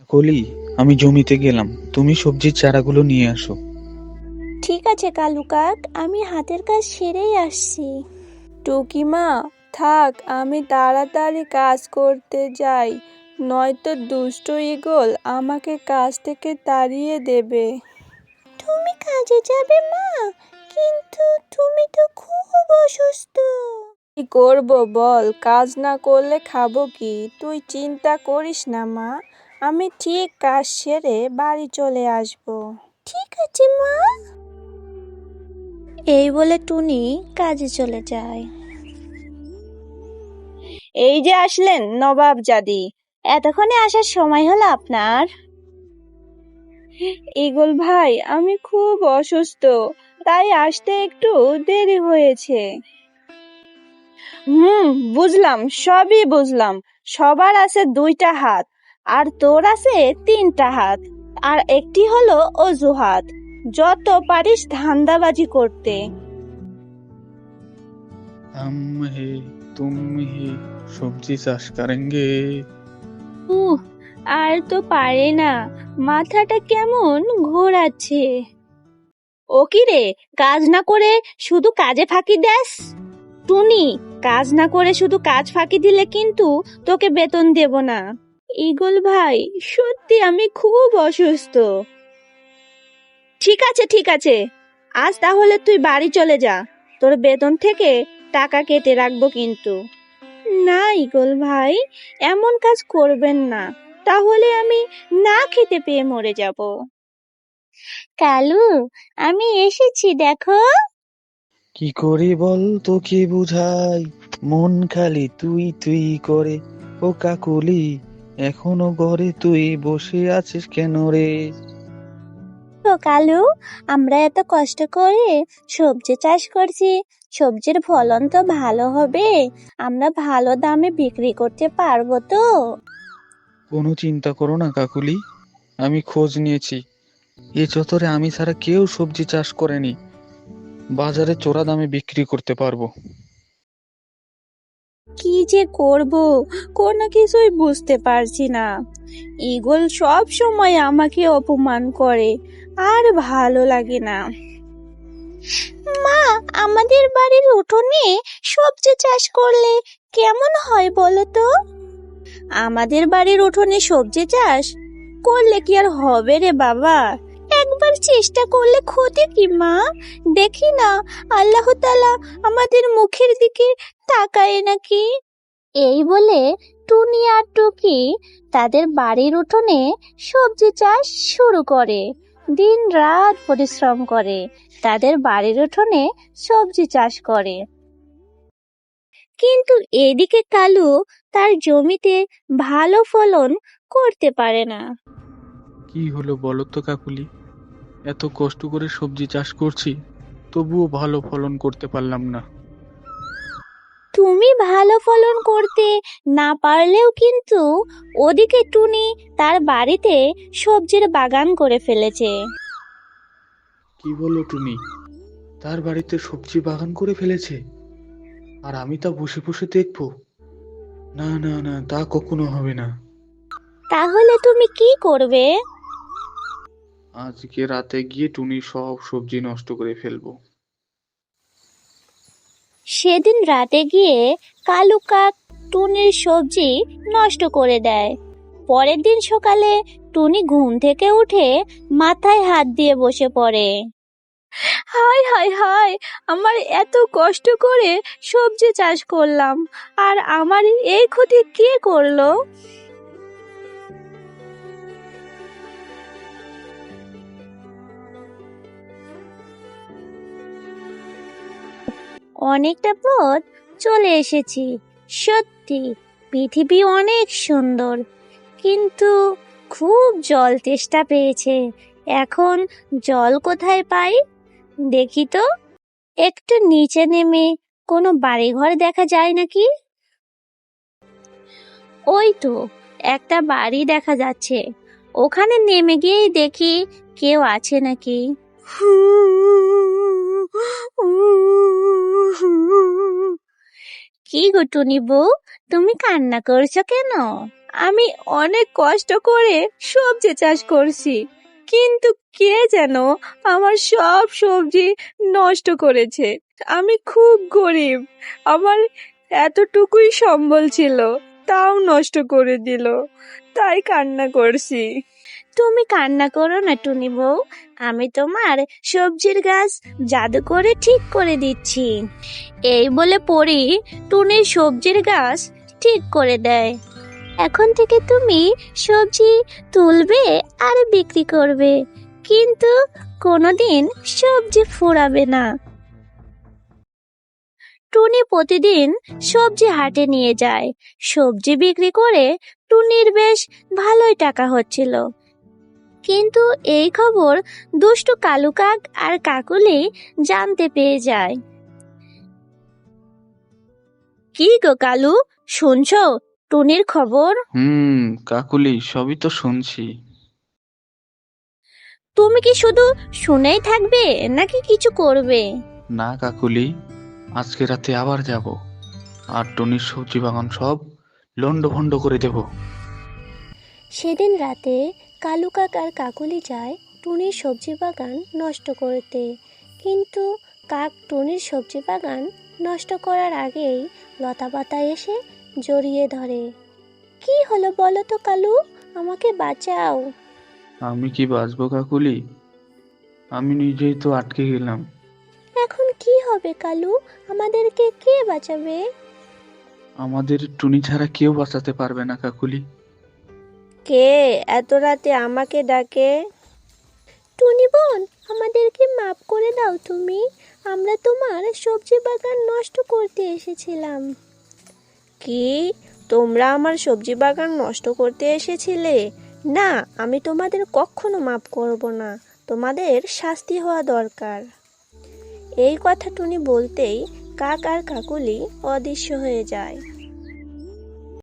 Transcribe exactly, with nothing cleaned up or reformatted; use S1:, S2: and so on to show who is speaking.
S1: কলি, আমি জমিতে গেলাম, তুমি সবজির চারাগুলো নিয়ে আসো।
S2: ঠিক আছে কালু কাক, আমি হাতের কাজ সেরেই আসছি। টুকিমা, থাক, আমি তাড়াতাড়ি কাজ করতে যাই, নয়তো দুষ্ট ঈগল আমাকে কাজ থেকে তাড়িয়ে দেবে। তুমি কাজে যাবে মা? কিন্তু তুমি তো খুব অসুস্থ। কি করব বল, কাজ না করলে খাবো কি? তুই চিন্তা করিস না মা, আমি ঠিক কাজ সেরে বাড়ি চলে আসব। ঠিক আছে মা। এই বলে টুনি কাজে চলে যায়। এই যে আসলেন নবাব জাদি, এতক্ষণে আসার সময় হলো আপনার? ঈগল ভাই, আমি খুব অসুস্থ, তাই আসতে একটু দেরি হয়েছে। হুম, বুঝলাম, সবই বুঝলাম। সবার আছে দুইটা হাত, আর তোর আছে তিনটা হাত, আর একটি হলো অজুহাত যত পারিস ধান্দাবাজি করতে।
S1: हम है तुम ही সবজি চাষ করেঙ্গে।
S2: উহ, আর তো পারে না, মাথাটা কেমন ঘোরাচ্ছে। ও কি রে, কাজ না করে শুধু কাজে ফাঁকি দেস? টুনি, কাজ না করে শুধু কাজ ফাঁকি দিলে কিন্তু তোকে বেতন দেব না। ঈগল ভাই, সত্যি আমি খুব অসুস্থ। ঠিক আছে ঠিক আছে, আজ তাহলে তুই বাড়ি চলে যা, তোর বেতন থেকে টাকা কেটে রাখবো কিন্তু। না ঈগল ভাই, এমন কাজ করবেন না, তাহলে আমি না খেতে পেয়ে মরে যাব। কালু, আমি এসেছি দেখো।
S1: কি করে বল তোকে বুঝাই, মন খালি তুই তুই করে। ও কাকুলি, এখনো ঘরে তুই বসে আছিস কেন রে?
S2: তো কালু, আমরা এত কষ্ট করে সবজি চাষ করছি, সবজির ফলন তো ভালো হবে, আমরা ভালো দামে বিক্রি করতে পারবো তো?
S1: কোনো চিন্তা করো না কাকুলি, আমি খোঁজ নিয়েছি, এ চত্বরে আমি ছাড়া কেউ সবজি চাষ করেনি, বাজারে চড়া দামে বিক্রি করতে পারবো।
S2: কি যে করব, কোনো কিছুই বুঝতে পারছি না। ঈগল সব সময় আমাকে অপমান করে, আর ভালো লাগে না। মা, আমাদের বাড়ির উঠোনে সবজি চাষ করলে কেমন হয় বলো তো? আমাদের বাড়ির উঠোনে সবজি চাষ করলে কি আর হবে রে বাবা? একবার চেষ্টা করলে ক্ষতি কি মা? দেখি না, আল্লাহ তাআলা আমাদের মুখের দিকে তাকায় নাকি। এই বলে টুনি আর টুকি তাদের বাড়ির উঠোনে সবজি চাষ শুরু করে। দিন রাত পরিশ্রম করে তাদের বাড়ির উঠোনে সবজি চাষ করে। কিন্তু এদিকে কালু তার জমিতে ভালো ফলন করতে পারে না।
S1: কি হলো বলো তো কাকুলি, এত কষ্ট করে সবজি চাষ করছি, তবুও ভালো ফলন করতে পারলাম না।
S2: তুমি ভালো ফলন করতে না পারলেও কিন্তু ওদিকে টুনি তার বাড়িতে সবজির বাগান করে ফেলেছে।
S1: কি বলো টুনি, তার বাড়িতে সবজি বাগান করে ফেলেছে, আর আমি তা বসে বসে দেখবো? না না না, তা কখনো হবে না।
S2: তাহলে তুমি কি করবে?
S1: আজকে রাতে গিয়ে টুনির সব সবজি নষ্ট করে ফেলবো।
S2: সেদিন রাতে গিয়ে কালু কাক টুনির সবজি নষ্ট করে দেয়। পরের দিন সকালে টুনি ঘুম থেকে উঠে মাথায় হাত দিয়ে বসে পড়ে। হায় হায় হায়, আমার এত কষ্ট করে সবজি চাষ করলাম, আর আমার এই ক্ষতি কে করলো? অনেকটা পথ চলে এসেছি, সত্যি পৃথিবী অনেক সুন্দর, কিন্তু খুব জল তেষ্টা পেয়েছে। এখন জল কোথায় পাই? দেখি তো, একটু নিচে নেমে কোনো বাড়িঘর দেখা যায় নাকি। ওই তো একটা বাড়ি দেখা যাচ্ছে, ওখানে নেমে গিয়েই দেখি কেউ আছে নাকি। কি গো টুনি বউ, তুমি কান্না করছো কেন? আমি অনেক কষ্ট করে সবজি চাষ করছি, কিন্তু কে যেন আমার সব সবজি নষ্ট করেছে। আমি খুব গরিব, আমার এতটুকুই সম্বল ছিল, তাও নষ্ট করে দিল, তাই কান্না করছি। তুমি কান্না করো না টুনি বউ, আমি তোমার সবজির গাছ জাদু করে ঠিক করে দিচ্ছি। এই বলে পরি টুনির সবজির গাছ ঠিক করে দেয়। এখন থেকে তুমি সবজি তুলবে আর বিক্রি করবে, কিন্তু কোনোদিন সবজি ফুরাবে না। টুনি প্রতিদিন সবজি হাটে নিয়ে যায়, সবজি বিক্রি করে টুনির বেশ ভালোই টাকা হচ্ছিল। কিন্তু এই খবর দুষ্টু কালু কাক আর কাকুলি জানতে পেয়ে যায়। কি গো কালু, শুনছো টুনির খবর?
S1: হুম কাকুলি, সবই তো শুনছি।
S2: তুমি কি শুধু শুনেই থাকবে নাকি কিছু করবে?
S1: না কাকুলি, আজকে রাতে আবার যাব, আর টুনির সবজি বাগান সব লন্ডভন্ড করে দেব।
S3: সেদিন রাতে কালু কাক আর কাকুলি যায় টুনির সবজি বাগান নষ্ট করতে, কিন্তু কাক টুনির সবজি বাগান নষ্ট করার আগেই লতাপাতা এসে জড়িয়ে ধরে। কি হলো বলো তো কালু, আমাকে বাঁচাও।
S1: আমি কি বাঁচবো কাকুলি? আমি নিজেই তো আটকে গেলাম।
S3: এখন কি হবে কালু, আমাদেরকে কে বাঁচাবে?
S1: আমাদের টুনি ছাড়া কেউ বাঁচাতে পারবে না কাকুলি।
S2: কে এত রাতে আমাকে ডাকে?
S3: টুনি বোন, আমাদেরকে মাফ করে দাও তুমি, আমরা তোমার সবজি বাগান নষ্ট করতে এসেছিলাম।
S2: কি, তোমরা আমার সবজি বাগান নষ্ট করতে এসেছিলে? না, আমি তোমাদের কখনো মাফ করব না, তোমাদের শাস্তি হওয়া দরকার। এই কথা টুনি বলতেই কাক আর কাকুলি অদৃশ্য হয়ে যায়।